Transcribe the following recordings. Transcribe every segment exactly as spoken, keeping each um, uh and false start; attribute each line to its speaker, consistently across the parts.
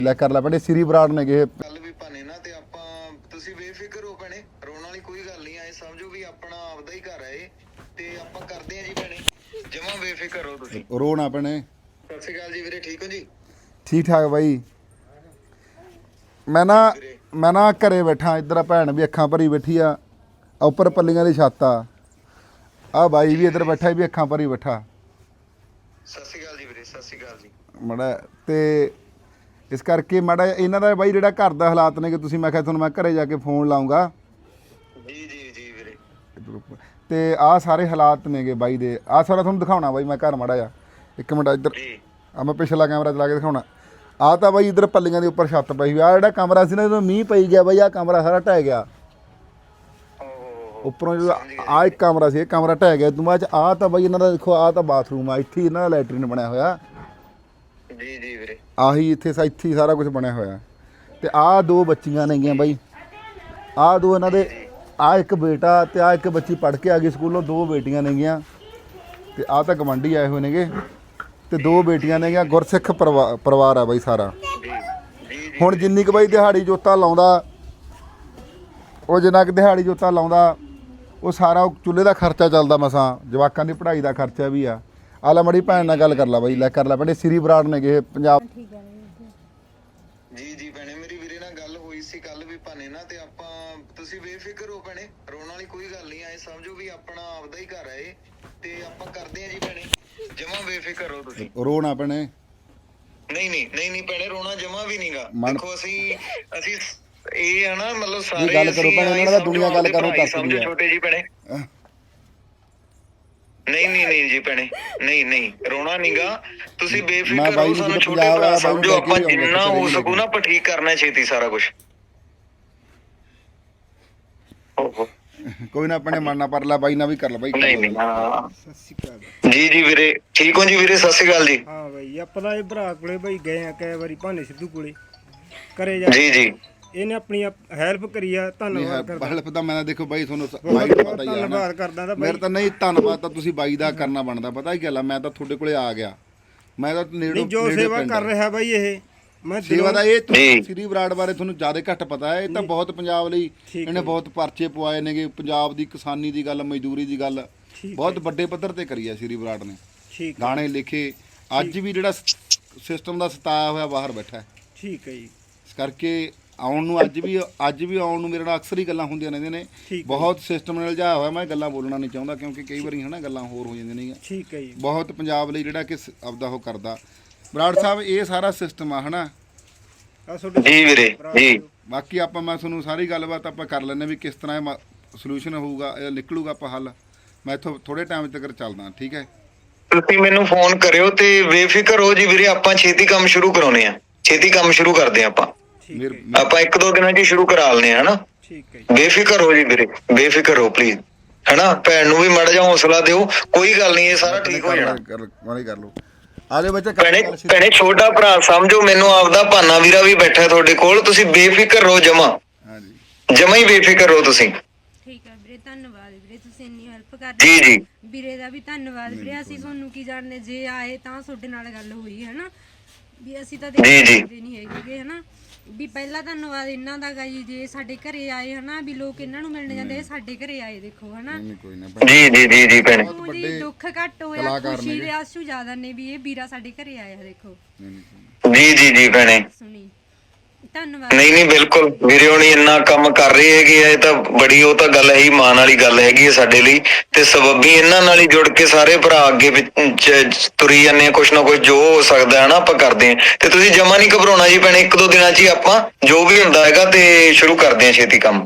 Speaker 1: ਲੈ ਕਰ ਲੈ ਭੈਣੇ ਸ੍ਰੀ ਬਰਾੜ ਨੇ ਗਏ
Speaker 2: ਕੱਲ ਵੀ ਭਾਨੇ ਨਾ ਤੇ ਆਪਾਂ ਤੁਸੀਂ ਬੇਫਿਕਰ ਹੋ ਭੈਣੇ, ਰੋਣ ਵਾਲੀ ਕੋਈ ਗੱਲ ਨਹੀਂ। ਐ ਸਮਝੋ ਵੀ ਆਪਣਾ ਆਪਦਾ ਹੀ ਘਰ ਹੈ ਇਹ, ਤੇ ਆਪਾਂ ਕਰਦੇ ਆ ਜੀ ਭੈਣੇ, ਜਮਾਂ ਬੇਫਿਕਰ ਹੋ ਤੁਸੀਂ।
Speaker 1: ਰੋਣਾ ਭੈਣੇ।
Speaker 2: ਸਤਿ ਸ਼੍ਰੀ ਅਕਾਲ ਜੀ ਵੀਰੇ, ਠੀਕ ਹੋ ਜੀ?
Speaker 1: ਠੀਕ ਠਾਕ ਬਾਈ। ਮੈਂ ਨਾ ਮੈਂ ਨਾ ਘਰੇ ਬੈਠਾ, ਇੱਧਰ ਭੈਣ ਵੀ ਅੱਖਾਂ ਭਰੀ ਬੈਠੀ ਆ, ਉੱਪਰ ਪੱਲੀਆਂ ਦੀ ਛੱਤ ਆ, ਆ ਬਾਈ ਵੀ ਇੱਧਰ ਬੈਠਾ ਵੀ ਅੱਖਾਂ ਭਰੀ ਬੈਠਾ।
Speaker 2: ਸਤਿ ਸ਼੍ਰੀ ਅਕਾਲ ਜੀ ਵੀਰੇ, ਸਤਿ ਸ਼੍ਰੀ ਅਕਾਲ ਜੀ।
Speaker 1: ਮਾੜਾ ਤੇ ਇਸ ਕਰਕੇ ਮਾੜਾ ਇਹਨਾਂ ਦਾ ਬਾਈ ਜਿਹੜਾ ਘਰ ਦਾ ਹਾਲਾਤ ਨੇ ਕਿ ਤੁਸੀਂ, ਮੈਂ ਕਿਹਾ ਤੁਹਾਨੂੰ ਮੈਂ ਘਰੇ ਜਾ ਕੇ ਫੋਨ ਲਾਉਂਗਾ
Speaker 2: ਜੀ ਜੀ ਜੀ ਵੀਰੇ।
Speaker 1: ਤੇ ਆਹ ਸਾਰੇ ਹਾਲਾਤ ਨੇਗੇ ਬਾਈ ਦੇ। ਆਹ ਸਾਰਾ ਤੁਹਾਨੂੰ ਦਿਖਾਉਣਾ ਬਾਈ ਮੈਂ ਘਰ ਮਾੜਾ ਜਾ ਇੱਕ ਮਿੰਟ ਇੱਧਰ ਆ, ਮੈਂ ਪਿਛਲਾ ਕੈਮਰਾ ਚਲਾ ਕੇ ਦਿਖਾਉਣਾ। ਆਹ ਤਾਂ ਬਾਈ ਇੱਧਰ ਪੱਲੀਆਂ ਦੇ ਉੱਪਰ ਛੱਤ ਪਈ ਹੋਈ ਆ, ਜਿਹੜਾ ਕਮਰਾ ਸੀ ਨਾ ਜਦੋਂ ਮੀਂਹ ਪਈ ਗਿਆ ਬਾਈ, ਆਹ ਕਮਰਾ ਸਾਰਾ ਢਹਿ ਗਿਆ ਉੱਪਰੋਂ। ਜਦੋਂ ਆਹ ਇੱਕ ਕਮਰਾ ਸੀ, ਇਹ ਕਮਰਾ ਢਹਿ ਗਿਆ। ਤੋਂ ਬਾਅਦ ਆਹ ਤਾਂ ਬਾਈ ਇਹਨਾਂ ਦਾ ਦੇਖੋ, ਆਹ ਤਾਂ ਬਾਥਰੂਮ ਆ, ਇੱਥੇ ਇਹਨਾਂ ਦਾ ਲੈਟਰੀਨ ਬਣਿਆ ਹੋਇਆ
Speaker 2: ਜੀ ਜੀ ਵੀਰੇ।
Speaker 1: ਆਹੀ ਇੱਥੇ ਇੱਥੇ ਹੀ ਸਾਰਾ ਕੁਝ ਬਣਿਆ ਹੋਇਆ। ਤੇ ਆਹ ਦੋ ਬੱਚੀਆਂ ਨੇਗੀਆਂ ਬਾਈ, ਆਹ ਦੋ ਇਹਨਾਂ ਦੇ, ਆਹ ਇੱਕ ਬੇਟਾ ਤੇ ਆਹ ਇੱਕ ਬੱਚੀ ਪੜ੍ਹ ਕੇ ਆ ਗਈ ਸਕੂਲੋਂ, ਦੋ ਬੇਟੀਆਂ ਨੇਗੀਆਂ। ਤੇ ਆਹ ਤਾਂ ਗਵਾਂਢੀ ਆਏ ਹੋਏ ਨੇਗੇ, ਤੇ ਦੋ ਬੇਟੀਆਂ ਨੇਗੀਆਂ। ਗੁਰਸਿੱਖ ਪਰਿਵਾ ਪਰਿਵਾਰ ਆ ਬਾਈ ਸਾਰਾ। ਹੁਣ ਜਿੰਨੀ ਕੁ ਬਾਈ ਦਿਹਾੜੀ ਜੋਤਾ ਲਾਉਂਦਾ, ਉਹ ਜਿੰਨਾ ਕੁ ਦਿਹਾੜੀ ਜੋਤਾ ਲਾਉਂਦਾ ਉਹ ਸਾਰਾ ਚੁੱਲ੍ਹੇ ਦਾ ਖਰਚਾ ਚੱਲਦਾ, ਮਸਾਂ ਜਵਾਕਾਂ ਦੀ ਪੜ੍ਹਾਈ ਦਾ ਖਰਚਾ ਵੀ ਆ। ਆ ਲੈ ਮੜੀ ਭੈਣ ਨਾਲ ਗੱਲ ਕਰ ਲਾ ਬਾਈ, ਲੈ ਕਰ ਲੈ ਭੈਣੇ ਸ੍ਰੀ ਬਰਾੜ ਨੇ ਗਏ ਪੰਜਾਬ।
Speaker 2: ਜੀ ਜੀ ਭੈਣੇ, ਮੇਰੀ ਵੀਰੇ ਨਾਲ ਗੱਲ ਹੋਈ ਸੀ ਕੱਲ ਵੀ ਭਾਨੇ ਨਾ, ਤੇ ਆਪਾਂ ਤੁਸੀਂ ਬੇਫਿਕਰ ਹੋ ਭੈਣੇ, ਰੋਣ ਵਾਲੀ ਕੋਈ ਗੱਲ ਨਹੀਂ। ਐ ਸਮਝੋ ਵੀ ਆਪਣਾ ਆਪਦਾ ਹੀ ਘਰ ਹੈ ਇਹ, ਤੇ ਆਪਾਂ ਕਰਦੇ ਆ ਜੀ ਭੈਣੇ, ਜਮਾਂ ਬੇਫਿਕਰ ਹੋ ਤੁਸੀਂ।
Speaker 1: ਰੋਣਾ ਭੈਣੇ।
Speaker 2: ਨਹੀਂ ਨਹੀਂ ਨਹੀਂ ਨਹੀਂ ਭੈਣੇ, ਰੋਣਾ ਜਮਾਂ ਵੀ ਨਹੀਂਗਾ। ਦੇਖੋ ਅਸੀਂ ਅਸੀਂ ਇਹ ਹੈ ਨਾ, ਮਤਲਬ ਸਾਰੇ
Speaker 1: ਗੱਲ ਕਰੋ ਭੈਣੇ, ਇਹਨਾਂ ਦਾ ਦੁਨੀਆ ਗੱਲ ਕਰੋ ਤੱਕ
Speaker 2: ਸਮਝੋ ਛੋਟੇ ਜੀ ਭੈਣੇ। ਨਹੀਂ ਨਹੀਂ ਨਹੀਂ ਜੀ ਭੈਣੇ, ਨਹੀਂ ਨਹੀਂ ਰੋਣਾ ਨਹੀਂਗਾ, ਤੁਸੀਂ ਬੇਫਿਕਰ ਹੋ, ਸਾਨੂੰ ਛੋਟੇ ਭਰਾ ਸਮਝੋ। ਆਪਾਂ ਜਿੰਨਾ ਹੋ ਸਕੂ ਨਾ ਆਪਾਂ ਠੀਕ ਕਰਨਾ ਛੇਤੀ ਸਾਰਾ ਕੁਝ।
Speaker 1: ਕੋਈ ਨਾ ਆਪਣੇ ਮਨ ਨਾ ਪਰ ਲੈ ਬਾਈ, ਨਾ ਵੀ ਕਰ ਲੈ ਬਾਈ।
Speaker 2: ਨਹੀਂ ਨਹੀਂ ਹਾਂ ਸਤਿ ਸ਼੍ਰੀ ਅਕਾਲ ਜੀ ਜੀ ਵੀਰੇ, ਠੀਕ ਹੋ ਜੀ ਵੀਰੇ? ਸਤਿ ਸ਼੍ਰੀ ਅਕਾਲ ਜੀ।
Speaker 3: ਹਾਂ ਬਾਈ, ਆਪਾਂ ਤਾਂ ਇਹ ਭਰਾ ਕੋਲੇ ਬਾਈ ਗਏ ਆ ਕਈ ਵਾਰੀ, ਭਾਨੇ ਸਿੱਧੂ ਕੋਲੇ ਕਰੇ ਜਾ।
Speaker 2: ਜੀ ਜੀ
Speaker 3: ਇਹਨੇ ਆਪਣੀ ਹੈਲਪ ਕਰੀ ਆ, ਧੰਨਵਾਦ ਕਰਦਾ।
Speaker 1: ਹੈਲਪ ਤਾਂ ਮੈਂ ਦੇਖੋ ਬਾਈ ਤੁਹਾਨੂੰ ਬਾਈ ਦਾ ਪਤਾ ਹੀ ਆ,
Speaker 3: ਧੰਨਵਾਦ ਕਰਦਾ ਤਾਂ
Speaker 1: ਮੇਰੇ ਤਾਂ ਨਹੀਂ ਧੰਨਵਾਦ ਤਾਂ ਤੁਸੀਂ ਬਾਈ ਦਾ ਕਰਨਾ ਬਣਦਾ। ਪਤਾ ਕੀ ਗੱਲ ਆ, ਮੈਂ ਤਾਂ ਤੁਹਾਡੇ ਕੋਲੇ ਆ ਗਿਆ, ਮੈਂ ਤਾਂ ਨੇੜੇ
Speaker 3: ਜੋ ਸੇਵਾ ਕਰ ਰਿਹਾ ਬਾਈ ਇਹ, ਮੈਂ
Speaker 1: ਸੇਵਾ ਦਾ ਇਹ ਸ੍ਰੀ ਬਰਾੜ ਬਾਰੇ ਤੁਹਾਨੂੰ ਜ਼ਿਆਦਾ ਘੱਟ ਪਤਾ ਹੈ। ਇਹ ਤਾਂ ਬਹੁਤ ਪੰਜਾਬ ਲਈ ਇਹਨੇ ਬਹੁਤ ਪਰਚੇ ਪਵਾਏ ਨੇਗੇ, ਪੰਜਾਬ ਦੀ ਕਿਸਾਨੀ ਦੀ ਗੱਲ, ਮਜ਼ਦੂਰੀ ਦੀ ਗੱਲ ਬਹੁਤ ਵੱਡੇ ਪੱਧਰ ਤੇ ਕਰੀ ਆ ਸ੍ਰੀ ਬਰਾੜ ਨੇ। ਗਾਣੇ ਲਿਖੇ, ਅੱਜ ਵੀ ਜਿਹੜਾ ਸਿਸਟਮ ਦਾ ਸਤਾਇਆ ਹੋਇਆ ਬਾਹਰ ਬੈਠਾ।
Speaker 3: ਠੀਕ ਹੈ ਜੀ।
Speaker 1: ਇਸ ਕਰਕੇ ਆਉਣ ਨੂੰ ਅੱਜ ਵੀ ਅੱਜ ਵੀ ਆਉਣ ਨੂੰ ਮੇਰੇ ਨਾਲ ਅਕਸਰ ਹੀ ਗੱਲਾਂ ਹੁੰਦੀਆਂ ਰਹਿੰਦੀਆਂ ਨੇ। ਬਹੁਤ ਸਿਸਟਮ ਨਾਲ ਜਾ ਹੋਇਆ, ਮੈਂ ਗੱਲਾਂ ਬੋਲਣਾ ਨਹੀਂ ਚਾਹੁੰਦਾ ਕਿਉਂਕਿ ਕਈ ਵਾਰੀ ਹਨਾ ਗੱਲਾਂ ਹੋਰ ਹੋ ਜਾਂਦੀਆਂ ਨੇ।
Speaker 3: ਠੀਕ ਹੈ ਜੀ।
Speaker 1: ਬਹੁਤ ਪੰਜਾਬ ਲਈ ਜਿਹੜਾ ਕਿ ਆਪਦਾ ਉਹ ਕਰਦਾ ਬਰਾੜ ਸਾਹਿਬ, ਇਹ ਸਾਰਾ ਸਿਸਟਮ ਆ ਹਨਾ
Speaker 2: ਜੀ ਵੀਰੇ ਜੀ।
Speaker 1: ਬਾਕੀ ਆਪਾਂ ਮੈਂ ਤੁਹਾਨੂੰ ਸਾਰੀ ਗੱਲਬਾਤ ਆਪਾਂ ਕਰ ਲੈਂਦੇ ਵੀ ਕਿਸ ਤਰ੍ਹਾਂ ਇਹ ਸੋਲੂਸ਼ਨ ਹੋਊਗਾ, ਇਹ ਨਿਕਲੂਗਾ ਆਪਾਂ ਹੱਲ। ਮੈਂ ਇੱਥੋਂ ਥੋੜੇ ਟਾਈਮ ਤੱਕ ਚੱਲਦਾ, ਠੀਕ ਹੈ?
Speaker 2: ਤੁਸੀਂ ਮੈਨੂੰ ਫੋਨ ਕਰਿਓ ਤੇ ਬੇਫਿਕਰ ਹੋ ਜੀ ਵੀਰੇ, ਆਪਾਂ ਛੇਤੀ ਕੰਮ ਸ਼ੁਰੂ ਕਰਾਉਣੇ ਆ, ਛੇਤੀ ਕੰਮ ਸ਼ੁਰੂ ਕਰਦੇ ਆ ਆਪਾਂ। ਆਪਾਂ ਇੱਕ ਦੋ ਦਿਨਾਂ 'ਚ ਹੀ ਸ਼ੁਰੂ ਕਰਾ ਲੈਣੇ ਆ ਹਨਾ।
Speaker 3: ਠੀਕ ਹੈ,
Speaker 2: ਬੇਫਿਕਰ ਹੋ ਜੀ ਵੀਰੇ, ਬੇਫਿਕਰ ਹੋ ਪਲੀਜ਼ ਹਨਾ। ਭੈਣ ਨੂੰ ਵੀ ਮਾੜਾ ਜਿਹਾ ਹੌਸਲਾ ਦਿਓ, ਕੋਈ ਗੱਲ ਨਹੀਂ, ਇਹ ਸਾਰਾ ਠੀਕ ਹੋ ਜਾਣਾ।
Speaker 1: ਕਰ ਲਓ ਆਲੇ ਬੱਚੇ।
Speaker 2: ਭੈਣੇ ਭੈਣੇ ਛੋਟਾ ਭਰਾ ਸਮਝੋ ਮੈਨੂੰ, ਆਪਦਾ ਭਾਨਾ ਵੀਰਾ ਵੀ ਬੈਠਾ ਤੁਹਾਡੇ ਕੋਲ, ਤੁਸੀਂ ਬੇਫਿਕਰ ਰਹੋ ਜਮਾ। ਹਾਂਜੀ ਜਮਾ ਹੀ ਬੇਫਿਕਰ ਰਹੋ ਤੁਸੀਂ।
Speaker 4: ਠੀਕ ਹੈ ਵੀਰੇ, ਧੰਨਵਾਦ ਵੀਰੇ, ਤੁਸੀਂ ਇੰਨੀ ਹੈਲਪ ਕਰ
Speaker 2: ਜੀ ਜੀ।
Speaker 4: ਵੀਰੇ ਦਾ ਵੀ ਧੰਨਵਾਦ ਵੀਰੇ। ਅਸੀਂ ਤੁਹਾਨੂੰ ਕੀ ਜਾਣਦੇ, ਜੇ ਆਏ ਤਾਂ ਤੁਹਾਡੇ ਨਾਲ ਗੱਲ ਹੋਈ ਹੈ ਨਾ, ਵੀ ਅਸੀਂ ਤਾਂ ਦੇਖਦੇ ਨਹੀਂ ਹੈਗੇ ਹਨਾ। ਵੀ ਪਹਿਲਾਂ ਧੰਨਵਾਦ ਇਹਨਾਂ ਦਾ ਗਾ ਜੀ, ਜੇ ਸਾਡੇ ਘਰੇ ਆਏ ਹਨਾ, ਵੀ ਲੋਕ ਇਹਨਾਂ ਨੂੰ ਮਿਲਣ ਜਾਂਦੇ, ਸਾਡੇ ਘਰੇ ਆਏ ਦੇਖੋ ਹਨਾ।
Speaker 2: ਜੀ ਜੀ ਜੀ ਜੀ ਭੈਣੇ,
Speaker 4: ਜੀ ਦੁੱਖ ਘੱਟ ਹੋਇਆ, ਖੁਸ਼ੀ ਦੇ ਆਸੂ ਜ਼ਿਆਦਾ ਨੇ ਵੀ ਇਹ ਵੀਰਾ ਸਾਡੇ ਘਰੇ ਆਇਆ ਦੇਖੋ।
Speaker 2: ਜੀ ਜੀ ਜੀ ਭੈਣੇ,
Speaker 4: ਸੁਣੀ ਧੰਨਵਾਦ।
Speaker 2: ਨਹੀਂ ਨਹੀਂ ਬਿਲਕੁਲ ਵੀਰੇ, ਹੁਣੀ ਇੰਨਾ ਕੰਮ ਕਰ ਰਹੇ ਹੈਗੇ ਆ, ਇਹ ਤਾਂ ਬੜੀ ਉਹ ਤਾਂ ਗੱਲ ਹੈ ਹੀ, ਮਾਣ ਵਾਲੀ ਗੱਲ ਹੈਗੀ ਹੈ ਸਾਡੇ ਲਈ। ਤੇ ਸਬੱਬੀ ਇਹਨਾਂ ਨਾਲ ਹੀ ਜੁੜ ਕੇ ਸਾਰੇ ਭਰਾ ਅੱਗੇ ਤੁਰੀ ਜਾਂਦੇ ਆ, ਕੁਛ ਨਾ ਕੁਛ ਜੋ ਹੋ ਸਕਦਾ ਹੈ ਨਾ ਆਪਾਂ ਕਰਦੇ ਹਾਂ। ਤੇ ਤੁਸੀਂ ਜਮਾ ਨਹੀਂ ਘਬਰਾਉਣਾ ਜੀ ਭੈਣੇ, ਇੱਕ ਦੋ ਦਿਨਾਂ 'ਚ ਹੀ ਆਪਾਂ ਜੋ ਵੀ ਹੁੰਦਾ ਹੈਗਾ ਤੇ ਸ਼ੁਰੂ ਕਰਦੇ ਹਾਂ ਛੇਤੀ ਕੰਮ।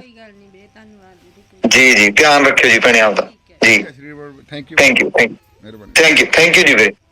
Speaker 2: ਜੀ ਜੀ, ਧਿਆਨ ਰੱਖਿਓ ਜੀ ਭੈਣੇ ਆਪਦਾ। ਜੀ thank you thank you thank you thank you ਜੀ ਵੀਰੇ।